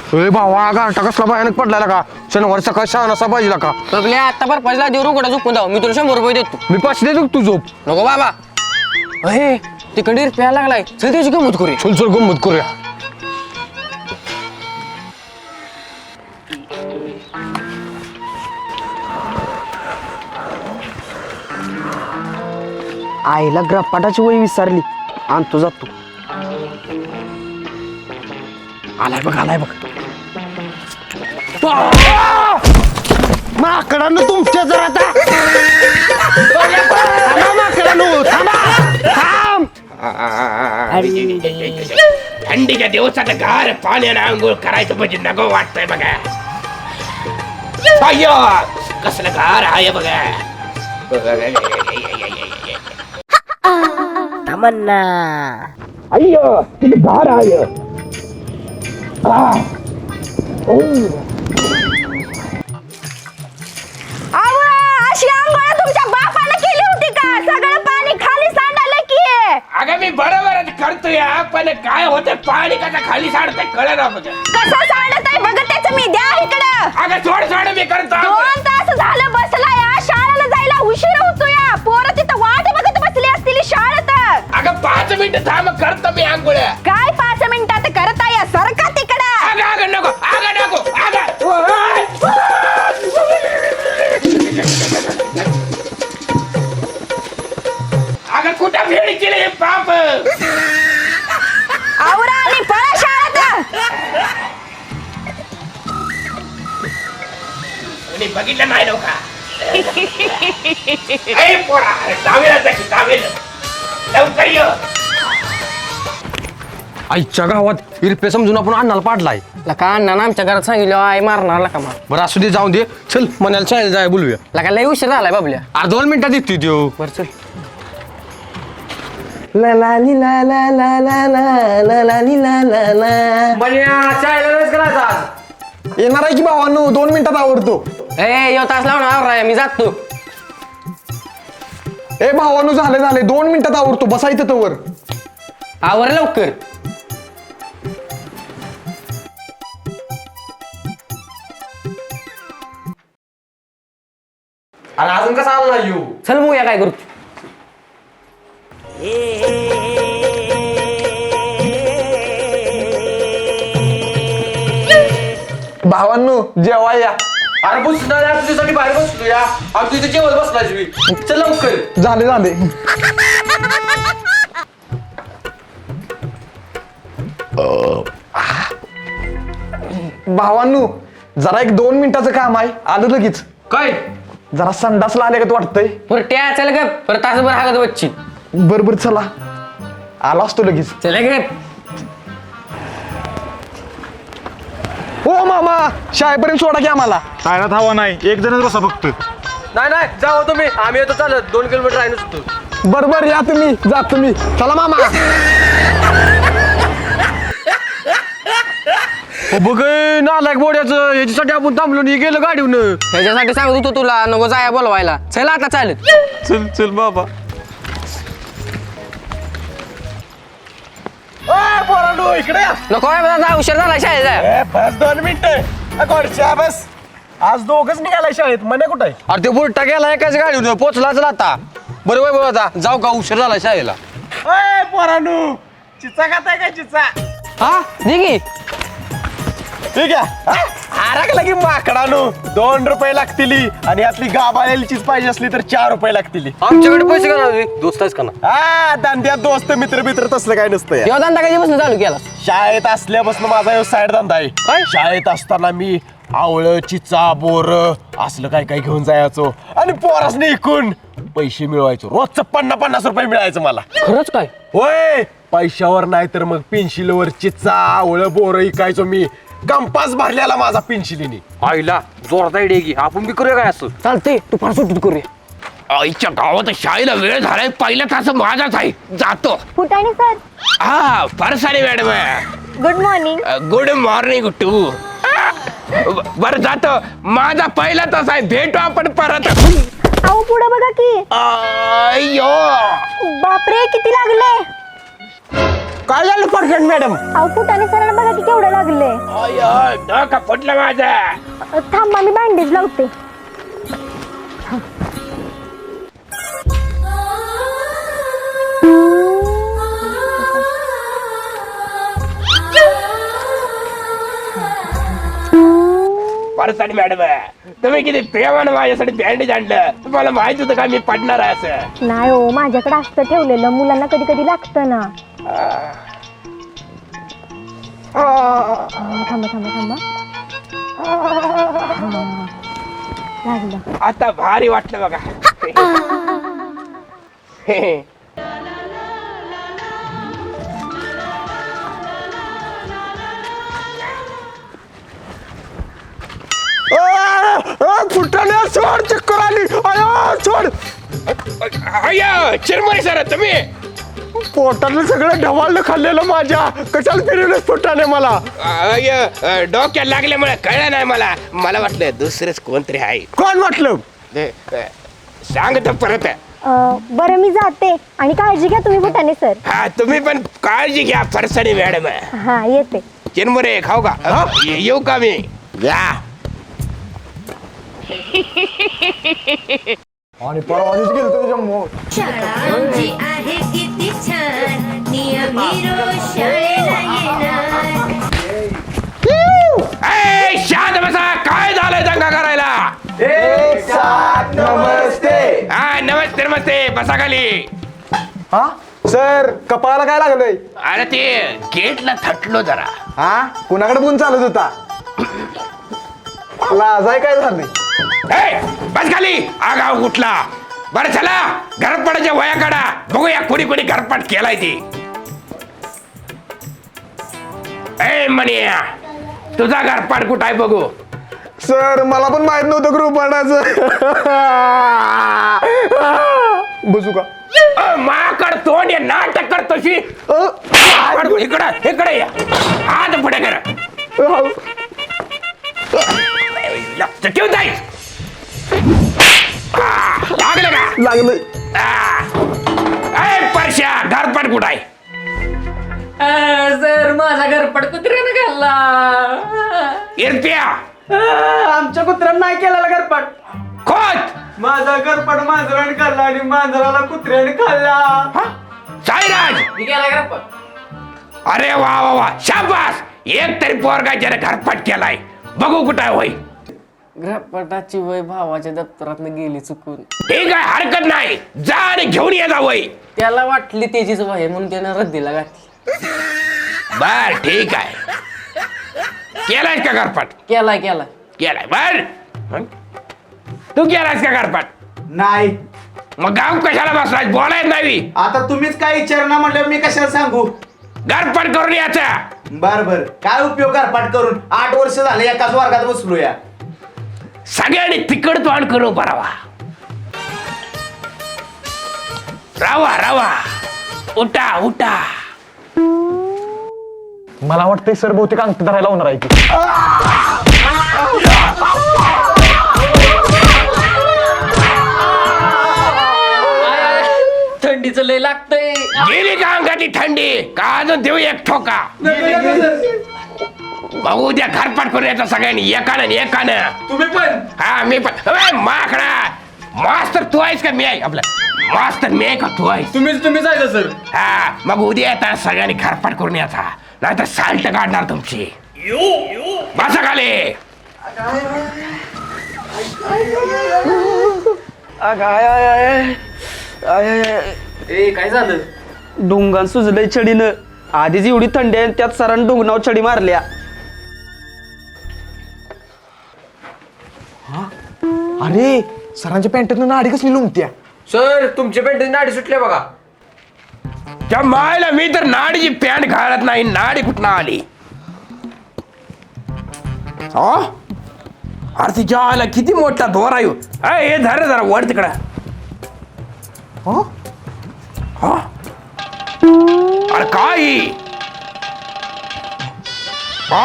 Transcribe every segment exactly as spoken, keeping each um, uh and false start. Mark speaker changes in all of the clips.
Speaker 1: ए भावा गारठा कसला भयानक पडलाय का शनिवार सकाळी शहा नसा पाहिजे का
Speaker 2: बघल्या आता पर पहिला देऊ कडा झोपून जाऊ मी तुला शंभर रुपये देतो
Speaker 1: मी पाचशे देतो तू झोप
Speaker 2: नको बाबा अहे तिकडे प्यायला लागलाय चल त्याची गंमत करूया
Speaker 1: चल चल गंमत करूया
Speaker 3: आईला ग्रपाटाची वय विसरली आणतो जातो
Speaker 1: आलाय बघ आलाय बघ माकडानं तुमच्या जर आता थांबा माकडानं थांबा थांब
Speaker 4: थंडीच्या दिवसात गार पाण्यानं आंघोळ करायचं म्हणजे नको वाटतंय बघा अय्यो कसलं गार आहे बघा
Speaker 3: तमन्ना
Speaker 4: अय्यो किती गार आहे
Speaker 5: अशी आंघोळ तुमच्या बापाने केली होती का सगळं पाणी खाली सांडालं की
Speaker 4: अगं मी बरोबरच करतोय पण काय होतं पाणी कसं खाली सांडतंय कळलं बघ
Speaker 5: कसं सांडत आहे बघ त्याचं मी द्या इकडं
Speaker 4: अगं सोड सोड मी करतो
Speaker 5: दोन तास झालं बसला या शाळेला जायला उशीर होतो या पोरं तिथं वाट बघत बसली असतील शाळेत
Speaker 4: अगं पाच मिनिट थांब करतो मी आंघोळ
Speaker 5: काय पाच मिनिटात करत आहे सरका तिकडं
Speaker 4: अगं अगं नको अगं नको अगं अगं कुठं भेड केले हे पाप
Speaker 5: आवरा आणि पळा शाळेत
Speaker 4: कोणी बघितलं नाही नव्हता ए पोरा दावेला जायची दावेला लवकर ये
Speaker 1: आईच्या गावात इरपे समजून आपण अण्णाला पाडलाय
Speaker 2: लका अण्णा आमच्या घरात सांगितलं आई मारणार लका मला
Speaker 1: बरं असू दे जाऊन दे चल मनाला चालेल जाय बोलूया
Speaker 2: लका लय उशीर झालाय बाबल्या
Speaker 1: अरे दोन मिनिटात येते देऊ
Speaker 2: बर चल
Speaker 3: ला ला ली ला ला ला ला ला ला ला ली ला ला ला
Speaker 1: येणार आहे की भावांनो दोन मिनिटात आवडतो
Speaker 2: ए यो तास लावून आवरा मी जातो
Speaker 1: ए भावांनो झाले झाले दोन मिनिटात आवडतो बसायचं तवर
Speaker 2: आवर लवकर
Speaker 1: अरे अजून कसा आला येऊ
Speaker 2: चल बघूया काय करू
Speaker 1: भावांनो जेवा या अरे बसणार तुझ्यासाठी बाहेर बसतो या आणि तुझं जेवण बसलाय चल लवकर झाले झाले भावांनो जरा एक दोन मिनिटाचं काम आहे आलं लगेच
Speaker 2: काय
Speaker 1: जरा संडासला आले का वाटतंय
Speaker 2: बरं ट्या चल ग परत तासभर हागत बच्ची
Speaker 1: बर बर चला आला असतो लगेच
Speaker 2: चल ग
Speaker 1: ओ मामा शाळेपर्यंत सोडा की आम्हाला
Speaker 6: शाळेत हवा नाही एक जणच बसा फक्त
Speaker 1: नाही नाही जाओ तुम्ही आम्ही येतो चालत दोन किलोमीटर आहे नुसतं बर बर या तुम्ही जा तुम्ही चला मामा बघ नालायक बोड्याचं याच्यासाठी आपण थांबलो नाही गेलं गाडीहून
Speaker 2: ह्याच्यासाठी सांगत होतो तुला नको जाया बोलवायला चल आता चालत
Speaker 6: चल चल बाबा
Speaker 1: इकडे
Speaker 2: नको जा उशीर झाला शाळेत जाय
Speaker 1: बस दोन मिनिट बस आज दोघच निघालाय शाळेत मने कुठे अरे ते बुलटा गेला एकाच गाडीवर पोचलाच आता बरं वय बाबा जाऊ का उशीर झाला शाळेला
Speaker 6: पोरानू चिचा खाताय का चिचा
Speaker 2: हा निघी
Speaker 6: ठीक आहे आरागला की माकडानू दोन रुपये लागतील आणि यातली गाबाळलेली चीज पाहिजे असली तर चार रुपये लागतील
Speaker 1: आमच्याकडे पैसे का दोस्त आहेस का ना
Speaker 6: हा दांड्यात दोस्त मित्र मित्र तसलं काय नसतं या.
Speaker 2: यो धंदा कधीपासून चालू केला
Speaker 6: शाळेत असल्यापासून माझा यो साईड धंदा आहे
Speaker 2: काय?
Speaker 6: शाळेत असताना मी आवळं चिचा बोर असलं काय काय घेऊन जायचो आणि पोरासने इकून पैसे मिळवायचो रोजचं पन्नास पन्नास रुपये मिळायचं मला
Speaker 2: खरंच काय
Speaker 6: होय पैशावर नाही तर मग पेन्शिलवर चिचा आवळं बोर इकायचो मी कंपास भरलेला माझा पेन्शिलीने
Speaker 1: आईला जोरात आयडिया की आपण बी करूया काय असं
Speaker 2: चालते तू फार सुट्टीत करूया
Speaker 4: आईच्या गावात शाळेला वेळ झालाय पहिला तास माझाच आहे जातो
Speaker 5: फुटाणे सर
Speaker 4: हा फार सारे madam
Speaker 5: good morning
Speaker 4: good morning टू बर जातो माझा पहिला तास आहे भेटू आपण परत
Speaker 5: अहो पुढे बघा की
Speaker 4: अय्यो
Speaker 5: बापरे किती लागले
Speaker 1: काय झालं परफेक्ट मॅडम?
Speaker 5: अहो फुटाने सरांना बघा की केवढं लागले.
Speaker 4: अय डोका फुटलं माझा.
Speaker 5: थांबा मी बँडेज लावते.
Speaker 4: परसाडी मॅडम तुम्ही किती प्रेमानं माझ्यासाठी बँडेज आणलं. तुम्हाला माहित होतं का मी पडणार आहे असं?
Speaker 5: नाही हो माझ्याकडे असतं ठेवलेलं मुलांना कधी कधी लागतं ना. थांबा थांबा थांबा. लागलं.
Speaker 4: आता भारी वाटलं बघा.
Speaker 1: फुटाने सोड, चक्कर आली. अयो सोड.
Speaker 4: अय्या चिरमरे सर तुम्ही.
Speaker 1: पोटातलं सगळं ढवाळलं खाल्लेलं माझ्या. कशाला फिरवलं फुटाने मला?
Speaker 4: अय्या डोक्यात लागल्यामुळे कळलं नाही मला. मला वाटलं दुसरंच कोणतरी आहे.
Speaker 1: कोण म्हटलं?
Speaker 4: सांगतो परत.
Speaker 5: अं, बरं मी जाते आणि काळजी घ्या तुम्ही फुटाने सर.
Speaker 4: हा तुम्ही पण काळजी घ्या परसाडी मॅडम.
Speaker 5: हा येते.
Speaker 4: चिरमुरे खाऊ का? ये- येऊ का मी?
Speaker 1: या. आणि परवानीच गेलो त्याच्या
Speaker 7: शाळा आमची आहे किती छान नियमी रोज शाळेला येणार.
Speaker 4: ए, शांत बसा. काय झालंय दंगा करायला?
Speaker 1: नमस्ते.
Speaker 4: हा नमस्ते नमस्ते. बसा खाली.
Speaker 1: हा सर, कपाळाला काय लागलंय?
Speaker 4: अरे ते गेटला थटलो जरा.
Speaker 1: हा कुणाकडे फोन चालत होता? लाजाय काय झालंय?
Speaker 4: ए, बस खाली. आगाव उठला. बरं चला घरपडाच्या वया काढा. बघूया कोणी कोणी घरपाट केलाय ती. ए मनिया तुझा घरपाट कुठं आहे बघू.
Speaker 1: सर मला पण माहित नव्हतं ग्रुपाडाचं. बसू का?
Speaker 4: अ, माकड तोंड आहे, नाटक करतोशी. इकडं इकडे या. हात पुढे कर. लक्ष ठेवून जाईल. लागलं का?
Speaker 1: लागलं.
Speaker 4: ए परश्या घरपाट कुठं आहे?
Speaker 2: सर माझा घरपड कुत्र्यानं खाल्ला.
Speaker 4: इरप्या
Speaker 8: आमच्या कुत्र्यानं नाही केलेला घरपाट.
Speaker 4: खोत
Speaker 8: माझा घरपाट मांजराने खाल्ला आणि मांजराला कुत्र्याने खाल्ला.
Speaker 4: साईराज
Speaker 2: मी गेला घरपड.
Speaker 4: अरे वा वा वा शाबास. एक तरी पोरगा ज्याने घरपाट केलाय. बघू कुठं आहे होय.
Speaker 2: घरपटाची वय भावाच्या दप्तरात गेली चुकून.
Speaker 4: ठीक आहे हरकत नाही. जा आणि घेऊन ये जा वय.
Speaker 2: त्याला वाटली त्याचीच वय म्हणून त्यानं रद्दीला घातली.
Speaker 4: बर ठीक आहे. केलायस का घरपाट?
Speaker 2: केलाय केलाय.
Speaker 4: केलाय बर. मग? तू केलायस का घरपाट?
Speaker 8: नाही.
Speaker 4: मग गाव कशाला बसलाय? बोलायच नाही.
Speaker 8: आता तुम्हीच काय विचारणार म्हटलं मी कशाला सांगू.
Speaker 4: घरपाट करून याचा.
Speaker 8: बर बर काय उपयोग घरपाट करून. आठ वर्ष झाले एकाच वर्गात बसलो या.
Speaker 4: सगळ्यांनी तिकड तोंड करून बरावा. रावा रावा. उठा उठा.
Speaker 1: मला वाटतंय सर बहुतेक अंगठी धरायला होणार आहे की.
Speaker 2: थंडीचं लय लागतंय.
Speaker 4: गेली का अंगाची थंडी? का अजून देऊ एक ठोका? बघू उद्या घरपाट करून यायचं सगळ्यांनी एकानं आणि एकानं.
Speaker 8: तुम्ही पण.
Speaker 4: हा मी पण. अबे, माकडा मास्तर तू आहेस का मी आहे? आपला मास्तर मी आहे का तू आहेस?
Speaker 8: तुम्हीच तुम्ही जायचं सर.
Speaker 4: हा मग उद्या येता सगळ्यांनी घरपाट करून यायचा. नाहीतर साल्ट काढणार तुमची. बसा खाली.
Speaker 2: ए काय झालं?
Speaker 9: डोंगान सुजलंय छडीनं. आधीच एवढी थंडी आहे त्यात सरांनी डोंगनावर छडी मारल्या.
Speaker 1: अरे सरांच्या पॅन्टातून नाडी कसली लुमत्या.
Speaker 2: सर तुमच्या पेंटीची नाडी सुटल्या बघा.
Speaker 4: त्या मायला मी तर नाडीची पॅन्ट घालत नाही. नाडी कुठं आली? हा अरे तिच्या आला किती मोठा दोरा येऊ. हे धर जरा वर तिकडं. हा अरे काय ही? हा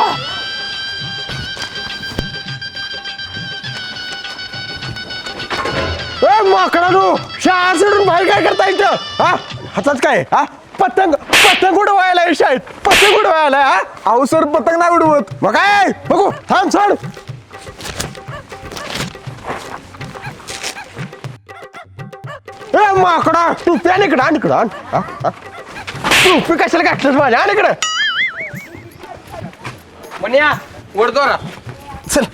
Speaker 1: माकडा नो शाळा सोडून बाहेर काय करता इथं? हा हातात काय? हा
Speaker 6: पतंग पतंग उडवायला आहे शाळेत पतंग उडवायला हा अहो सर पतंग नाही उडवत मग काय बघू थांब सोड ए माकडा टोपी आण इकडं आण इकडं आण हा, हा. टोपी कशाला घातलंस माझ्या आण इकडं
Speaker 1: म्हण्या वडदोरा
Speaker 6: चल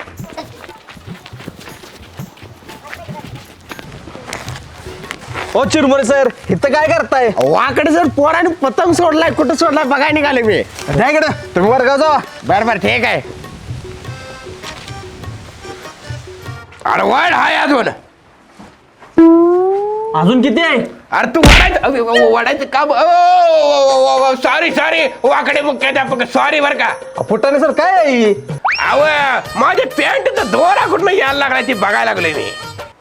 Speaker 1: ओ चिरमुरे सर इथं काय करताय
Speaker 6: वाकडे सर पोराने पतंग सोडलाय कुठं सोडलाय बघाय निघाले मी
Speaker 1: नाही इकडं तुम्ही वर्गात जावा
Speaker 6: बरं बरं ठीक आहे
Speaker 4: अरे वाढ हाय अजून
Speaker 9: अजून किती आहे
Speaker 4: अरे तू वाढायचं वाढायचं का सॉरी सॉरी वाकडे मुख्याध्यापक सॉरी बर का
Speaker 1: फुटाने सर काय आहे?
Speaker 4: अव माझे पॅन्ट दोरा कुठं यायला लागलाय ती बघायला लागलोय मी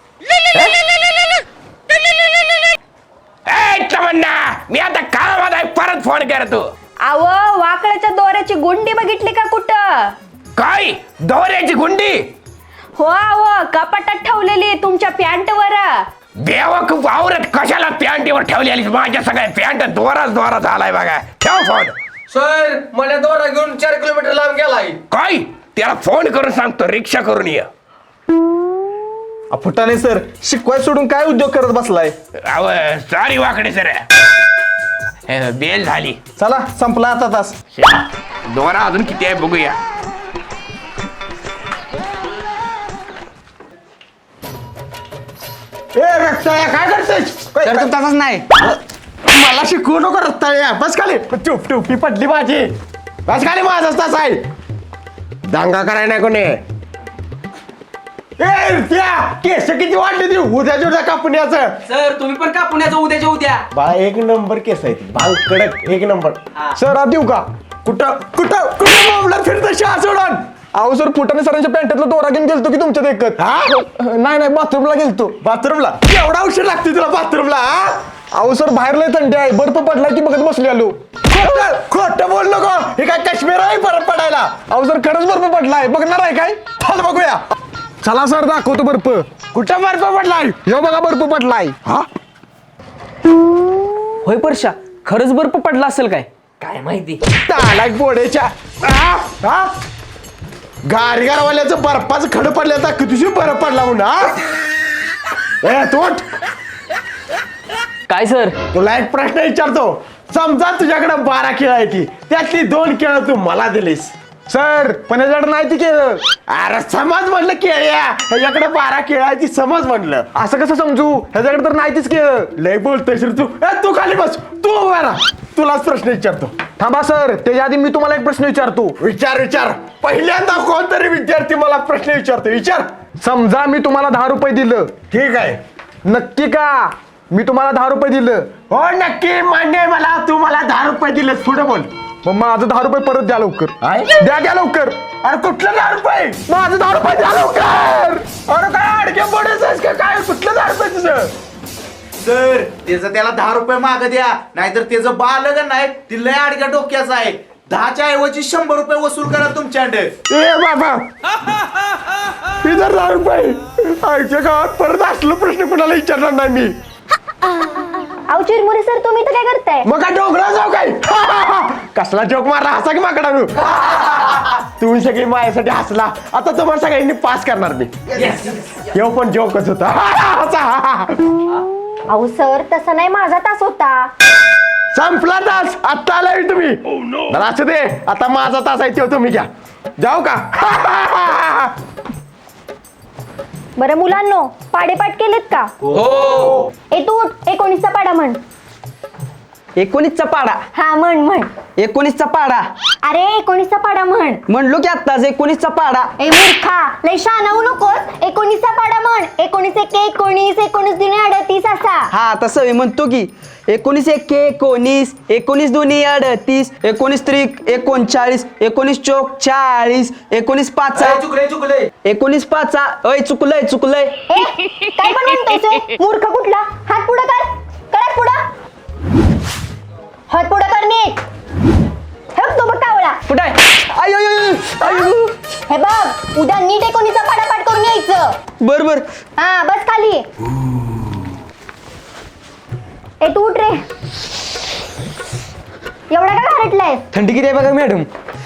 Speaker 4: ए, तमन्ना मी आता कामात आहे परत फोन करतो
Speaker 5: आव वाकड्याच्या दोऱ्याची गुंडी बघितली का कुठं
Speaker 4: काय दोऱ्याची गुंडी
Speaker 5: हो आव कपाटात ठेवलेली तुमच्या पॅन्टवर
Speaker 4: बेवकूफ आवरत कशाला पॅन्टीवर ठेवलेली माझ्या सगळ्या पॅन्ट दोराच दोरा झालाय बघा ठेव फोन
Speaker 1: सर मला दोरा घेऊन चार किलोमीटर लांब गेलाय
Speaker 4: काय त्याला फोन करून सांगतो रिक्षा करून ये
Speaker 1: फुटाने सर शिकवाय सोडून काय उद्योग करत बसलाय
Speaker 4: अव सॉरी वाकडे सर बेल झाली
Speaker 1: चला संपला आता तास
Speaker 4: दोरा अजून किती आहे बघूया
Speaker 6: ए रक्ताया काय करतेस
Speaker 2: तर तू तसाच नाही
Speaker 6: मला शिकवू नको रक्ताया बस खाली टोप टोपी पडली माझी बस खाली माझाच तास आहे दांगा कराय नाही कोणी ए त्या केस किती वाटले ती उद्याच्या उद्या कापून याचं
Speaker 2: सर तुम्ही पण कापून याचं उद्याच्या उद्या
Speaker 6: बा एक नंबर केस आहे ती भांग कडक एक नंबर सर आत देऊ का कुठं कुठं कुठं मामला फिरतं शाळा सोडून अहो सर फुटाने सरांच्या पॅन्टातला दोरा घेऊन गेलतो की तुमच्या देखत नाही नाही बाथरूमला गेलतो बाथरूमला एवढा उशीर लागते तुला बाथरूमला अहो सर बाहेर लय थंडी आहे बर्फ पडलाय की बघत बसली आलो खोटं खोटं बोल नको हे काय काश्मीर आहे बर्फ पडायला अहो सर खरंच बर्फ पडलाय बघणार आहे काय चल बघूया चला सर दाखवतो बर्फ कुठं बर्फ पडलाय हे बघा बर्फ पडलाय हा
Speaker 2: होय परशा खरंच बर्फ पडला असेल काय
Speaker 3: काय माहिती
Speaker 6: तालाय पोडेच्या गारगारवाल्याचं बर्फाचं खडं पडलं आता कितीशी बर्फ पडला म्हणून हा ए तोट
Speaker 2: काय सर
Speaker 6: तुला एक प्रश्न विचारतो समजा तुझ्याकडे बारा केळं आहे ती त्यातली दोन केळं तू मला दिलीस सर पण याच्याकडे नाही ती केळं अरे समज म्हणलं केळ्या ह्याच्याकडे बारा केळं आहे ती समज म्हणलं असं कसं समजू ह्याच्याकडे तर नाही तीच केळं लय बोलतोय सर तू ए, तू खाली बस तू उभा राहा तुलाच प्रश्न विचारतो थांबा सर त्याच्या आधी मी तुम्हाला एक प्रश्न विचारतो विचार विचार पहिल्यांदा कोणतरी विद्यार्थी मला प्रश्न विचारतो विचार समजा मी तुम्हाला दहा रुपये दिलं ठीक आहे नक्की का मी तुम्हाला दहा रुपये दिलं हो नक्की मान्य आहे मला तू मला दहा रुपये दिले पुढे बोल मग माझं दहा रुपये परत द्या लवकर द्या द्या लवकर अरे कुठलं दहा रुपये माझं दहा रुपये द्या लवकर अरे काय अडके पडायचं का काय कुठलं दहा रुपये तुझं
Speaker 8: सर त्याचं त्याला दहा रुपये माग द्या नाहीतर त्याचं बालग नाही ती लय अडक्या डोक्याचं आहे दहाच्या ऐवजी शंभर रुपये वसूल करा तुमच्याकडे
Speaker 6: ए बाबा इधर दहा रुपये आईच्या गावात परत असलं प्रश्न कुणाला विचारणार नाही मी
Speaker 5: अहो चिरमुरे सर तुम्ही तर काय करताय
Speaker 6: मग काय डोंगरा जाऊ काय कसला जोक मारला हसा की माकडा मी तुम्ही सगळी माझ्यासाठी हसला आता तुम्हाला सगळ्यांनी पास करणार मी हे पण जोकच होता
Speaker 5: अहो सर तसं नाही माझा तास होता
Speaker 6: संपला तास आता आलाय तुम्ही मला असू दे आता माझा तास आहे तो तुम्ही घ्या जाऊ का
Speaker 5: बरं मुलांनो पाडेपाठ केलेत का
Speaker 1: हो
Speaker 5: ए तू उठ, एकोणीसचा पाडा म्हण
Speaker 2: एकोणीसचा पाडा
Speaker 5: हा म्हण म्हण
Speaker 2: एकोणीसचा पाडा
Speaker 5: अरे एकोणीसचा पाडा म्हण
Speaker 2: म्हणलो की आत्ताच एकोणीसचा पाडा
Speaker 5: ए मूर्खा लय शहाणा होऊ नकोस एकोणीसचा पाडा म्हण एकोणीस एक एकोणीस एकोणीस दुने अडतीस असा
Speaker 2: हा तसं मी म्हणतो की एकोणीस एक एकोणीस एकोणीस दोन्ही अडतीस एकोणीस त्रिक एकोणचाळीस एकोणीस चौक चाळीस एकोणीस पाचा
Speaker 8: चुकले चुकले
Speaker 2: एकोणीस पाचा अय चुकलंय चुकलंय
Speaker 5: ए काय पण म्हणतोस ए? मूर्ख कुठला हात पुढं कर कर पुढं हात पुढं कर नीट हे बघ तो बघ कावळा
Speaker 2: कुठे आयो आयो
Speaker 5: हे बघ उद्या नीट एकोणीसचा पाडा पाठ करून यायचं
Speaker 2: बर बर
Speaker 5: हा बस खाली ए तू उठ रे एवढा का घारटलाय?
Speaker 2: थंडी किती आहे बघा मॅडम.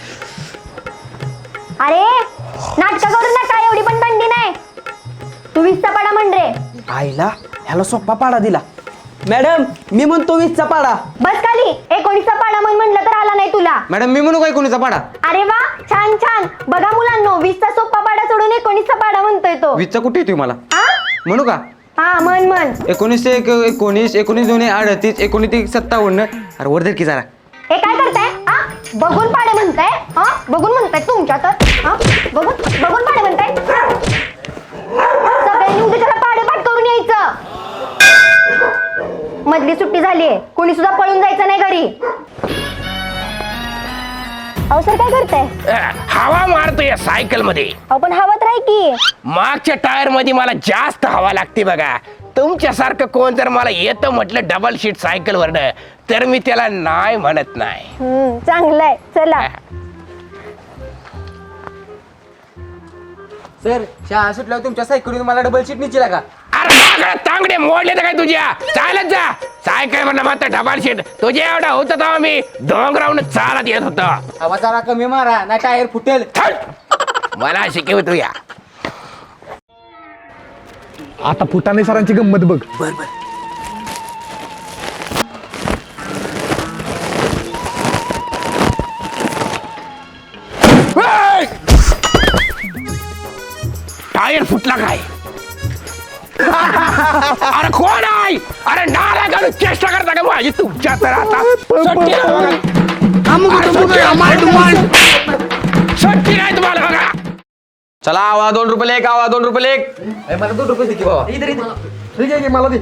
Speaker 5: अरे नाटक करू नका, एवढी पण थंडी नाही. तू वीसचा पाडा म्हण रे.
Speaker 2: आईला ह्याला सोपा पाडा दिला. मॅडम मी म्हणतो वीसचा पाडा.
Speaker 5: बस खाली. एकोणीसचा पाडा म्हण म्हणलं तर आला नाही तुला.
Speaker 2: मॅडम मी म्हणू काय कोणीचा पाडा?
Speaker 5: अरे वा, छान छान. बघा मुलांनो, वीसचा सोपा पाडा सोडून एकोणीसचा पाडा म्हणतोय तो.
Speaker 2: वीसचा कुठे येतोय मला?
Speaker 5: हा
Speaker 2: म्हणू का?
Speaker 5: हा म्हण म्हण.
Speaker 2: एकोणीस एक एकोणीस एकोणीस दोन अडतीस एकोणीस एक सत्तावन्न. अरे वर की जरा.
Speaker 5: हे काय करताय? हा बघून पाडे म्हणताय? हा बघून म्हणताय तुमच्या तर? हा बघून बघून पाडे म्हणताय? सगळ्यांनी उद्या त्याला पाडे पाठ करून यायचं. मधली सुट्टी झालीये, कोणी सुद्धा पळून जायचं नाही घरी. अहो सर काय करताय?
Speaker 4: हवा मारतोय सायकल मध्ये.
Speaker 5: अहो पण हवात राही की.
Speaker 4: मागच्या टायर मध्ये मला जास्त हवा लागते बघा. तुमच्यासारखं कोण जर मला येतं म्हटलं डबल सीट सायकल वरनं, तर मी त्याला नाही म्हणत नाही.
Speaker 5: हम्म चांगलंय. चला.
Speaker 2: सर शाळा सुटल्यावर तुमच्या सायकलीने मला डबल सीट निचला का?
Speaker 4: अरे मागं तांगडे मोडले तर काय तुझ्या? चालत जा सायकल म्हणलं मात्र डबल सीट. तुझ्या एवढा होत तेव्हा मी डोंगरावून चालत येत होतो.
Speaker 2: हवा जरा कमी मारा ना टायर फुटेल.
Speaker 4: मला शिकवतो या.
Speaker 6: आता फुटाणे सरांची गंमत बघ.
Speaker 4: टायर फुटला काय? अरे कोण आहे? अरे नाला घालून चेष्टा करता का माझी तुमच्या तर आता सुट्टी नाही बघा. अरे सुट्टी नाही. सुट्टी नाही तुम्हाला बघा.
Speaker 1: चला आवा दोन रुपये एक, आवा दोन रुपये एक.
Speaker 2: मला दोन रुपये दे की बाबा.
Speaker 6: ठीक आहे की मला दे.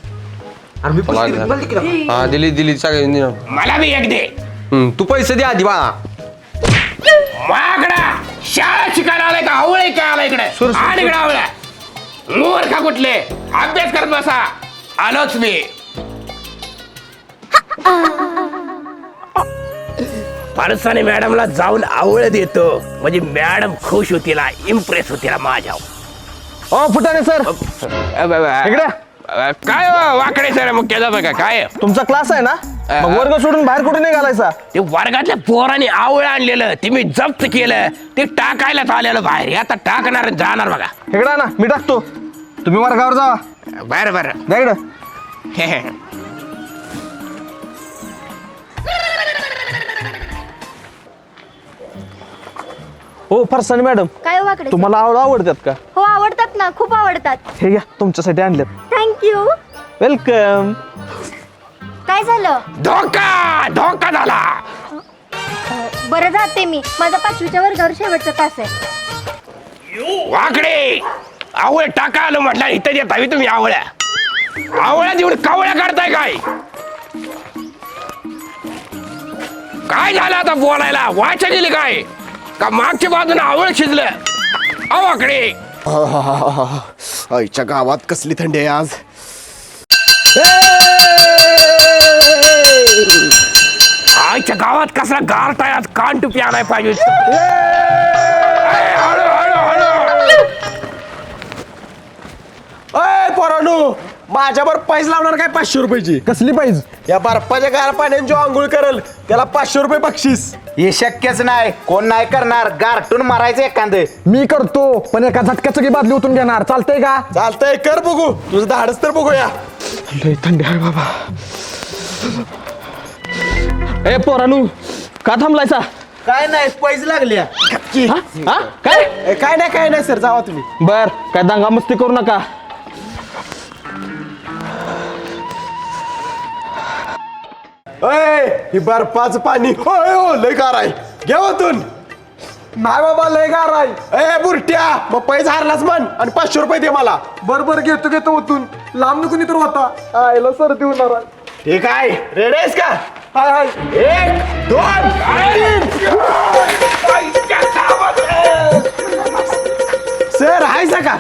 Speaker 1: हा दिली दिली सगळ्यांनी.
Speaker 4: मला बी एक दे.
Speaker 1: हम्म, तू पैसे दे आधी बा.
Speaker 4: माकडा शाळा शिकायला आलाय का आवळे काय आलाय इकडे? आणि इकडे आवळ्या मूर्खा कुठले? अभ्यास करत बसा. आलोच मी. परसाने मॅडमला जाऊन आवळ देतो म्हणजे मॅडम खुश होतील, इम्प्रेस होतील माझ्या.
Speaker 6: ओ फुटाणे सर इकडे.
Speaker 4: काय वाकडे सर मग केलं बघा काय
Speaker 6: तुमचा क्लास आहे ना, मग वर्ग सोडून बाहेर कुठे नाही घालायचा?
Speaker 4: ते वर्गातल्या पोराने आवळ आणलेलं ते मी जप्त केलं, ते टाकायलाच आलेलं बाहेर. आता टाकणार आणि जाणार बघा.
Speaker 6: इकडे ना मी टाकतो, तुम्ही वर्गावर जावा.
Speaker 4: बरं बरं.
Speaker 6: द्या इकडं. हो फरसाणे मॅडम,
Speaker 5: काय वाकडे?
Speaker 6: तुम्हाला आवड आवडतात का?
Speaker 5: हो आवडतात ना, खूप आवडतात.
Speaker 6: हे घ्या तुमच्यासाठी आणलेत.
Speaker 5: थँक्यू.
Speaker 6: वेलकम.
Speaker 5: काय झालं?
Speaker 4: धोका धोका झाला.
Speaker 5: बरं जाते मी, माझा पाचवीच्या वर्गावर शेवटचा तास आहे.
Speaker 4: वाकडे आवळ टाका आलो म्हटलं इथं येत हवी तुम्ही आवळ्या. आवळ्या देऊन कावळ्या काढताय काय? काय झालं आता बोलायला? वाचा गेली काय का? मागच्या बाजूने आवळ शिजलं. अवाकडे
Speaker 3: आईच्या गावात कसली थंडी आहे आज.
Speaker 4: आईच्या गावात कसला गारताय आज. कान टुपी आणाय पाहिजे. हळू हळू हळू.
Speaker 6: अय पोरांनो, माझ्यावर पैज लावणार काय? पाचशे रुपयाची. कसली पैज? या बर्फाच्या गार पाण्याने जो आंघोळ करल त्याला पाचशे रुपये बक्षीस.
Speaker 8: हे शक्यच नाही, कोण नाही करणार. गारटून मारायचं एखादं.
Speaker 6: मी करतो, पण एका झटक्याचं की बादली उतरून घेणार. चालतंय का? चालतंय, कर बघू. तुझं धाडस तर बघूया. लय थंडी आहे बाबा.
Speaker 9: ए पोरानू का थांबलायचा?
Speaker 8: काय नाही, पैज लागल्या.
Speaker 9: हा काय?
Speaker 6: ए, काय नाही काय नाही सर, जावा तुम्ही.
Speaker 9: बर काय दंगा मस्ती करू नका.
Speaker 6: अय ही बर्फाचं पाणी होय हो लय गार आहे. घे ओतून. नाही बाबा लय गार आहे. ए बुरट्या, मग पैज हारलाच म्हण आणि पाचशे रुपये दे मला. बरोबर घेतो घेतो ओतून. लांब कुणी तर होता. आयला सर्दी होणार आहे. ठीक आहे, रेडी आहेस का? हाय हाय. एक दोन तीन. सर हायसा का?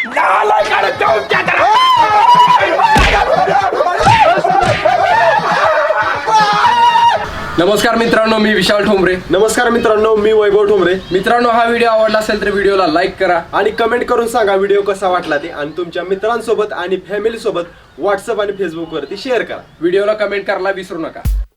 Speaker 1: नमस्कार मित्रांनो, मी विशाल ठोंबरे.
Speaker 6: नमस्कार मित्रांनो, मी वैभव ठोंबरे.
Speaker 1: मित्रांनो, हा व्हिडिओ आवडला असेल तर व्हिडिओला लाईक करा
Speaker 6: आणि कमेंट करून सांगा व्हिडिओ कसा वाटला ते, आणि तुमच्या मित्रांसोबत आणि फॅमिली सोबत व्हॉट्सअप आणि फेसबुक वरती शेअर करा.
Speaker 1: व्हिडिओला कमेंट करायला विसरू नका.